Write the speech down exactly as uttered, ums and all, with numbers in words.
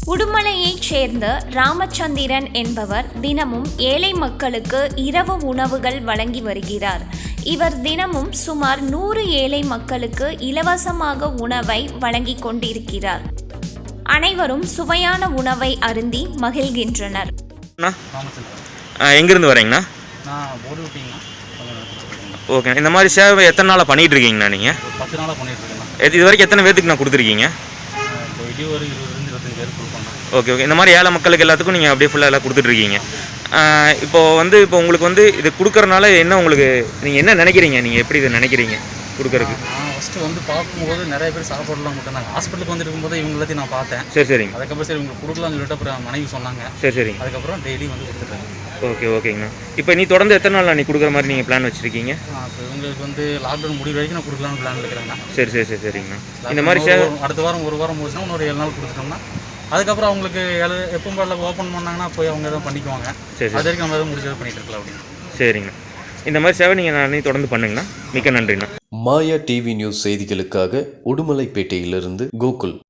உடுமலையைச் சேர்ந்த ராமச்சந்திரன் என்பவர் தினமும் ஏழை மக்களுக்கு இரவு உணவுகள் வழங்கி வருகிறார். இவர் தினமும் சுமார் நூறு ஏழை மக்களுக்கு இலவசமாக உணவை வழங்கி கொண்டிருக்கிறார். அனைவரும் சுவையான உணவை அருந்தி மகிழ்கின்றனர். எங்கிருந்து வரீங்கண்ணா? ஓகே, இந்த மாதிரி சேவை எத்தனை நாளாக பண்ணிட்டு இருக்கீங்கண்ணா? நீங்கள் பத்து நாளாக பண்ணிட்டு இருக்கேன். இது வரைக்கும் எத்தனை பேருக்கு நான் கொடுத்துருக்கீங்க? ஒரு இருபது இருபத்தஞ்சு பேர் கொடுப்போம். ஓகே ஓகே, இந்த மாதிரி ஏழை மக்களுக்கு எல்லாத்துக்கும் நீங்கள் அப்படியே ஃபுல்லாக எல்லாம் கொடுத்துட்ருக்கீங்க. இப்போது வந்து இப்போ உங்களுக்கு வந்து இது கொடுக்குறனால என்ன உங்களுக்கு நீங்கள் என்ன நினைக்கிறீங்க? நீங்கள் எப்படி இதை நினைக்கிறீங்க கொடுக்குறதுக்கு? நான் ஃபஸ்ட்டு வந்து பார்க்கும்போது நிறைய பேர் சாப்பாடுலாம் கொடுத்தாங்க. ஹாஸ்பிட்டலுக்கு வந்து இருக்கும்போது இவங்க எல்லாத்தையும் நான் பார்த்தேன். சரி சரிங்க. அதுக்கப்புறம் சரி உங்களுக்கு கொடுக்கலாம்னு சொல்லிட்டு அப்புறம் மனைவி சொன்னாங்க. சரி சரிங்க. அதுக்கப்புறம் டெய்லி வந்து கொடுத்துட்டேன். ஓகே ஓகேங்கண்ணா. இப்போ நீ தொடர்ந்து எத்தனை நாள் நீ கொடுக்குற மாதிரி நீங்கள் பிளான் வச்சுருக்கீங்க? இப்போ இவங்களுக்கு வந்து லாக்டவுன் முடிவு வரைக்கும் நான் கொடுக்கலான்னு பிளான் இருக்கிறேங்க. சரி சரி சரி சரிங்கண்ணா. இந்த மாதிரி சேவை அடுத்த வாரம் ஒரு வாரம் முடிச்சுன்னா இன்னொரு ஏழு நாள் கொடுத்துட்டோம்னா அதுக்கப்புறம் அவங்களுக்கு எப்போ பாடல ஓப்பன் பண்ணாங்கன்னா போய் அவங்க எதாவது பண்ணிக்குவாங்க. சரி அது வரைக்கும் நம்ம எதாவது முடிச்சதை பண்ணிட்டு இருக்கலாம் அப்படின்னு. சரிங்கண்ணா. இந்த மாதிரி சேவை நீங்கள் நான் தொடர்ந்து பண்ணுங்கண்ணா. மிக்க நன்றிண்ணா. மாயா டிவி நியூஸ் செய்திகளுக்காக உடுமலைப்பேட்டையிலிருந்து கோகுல்.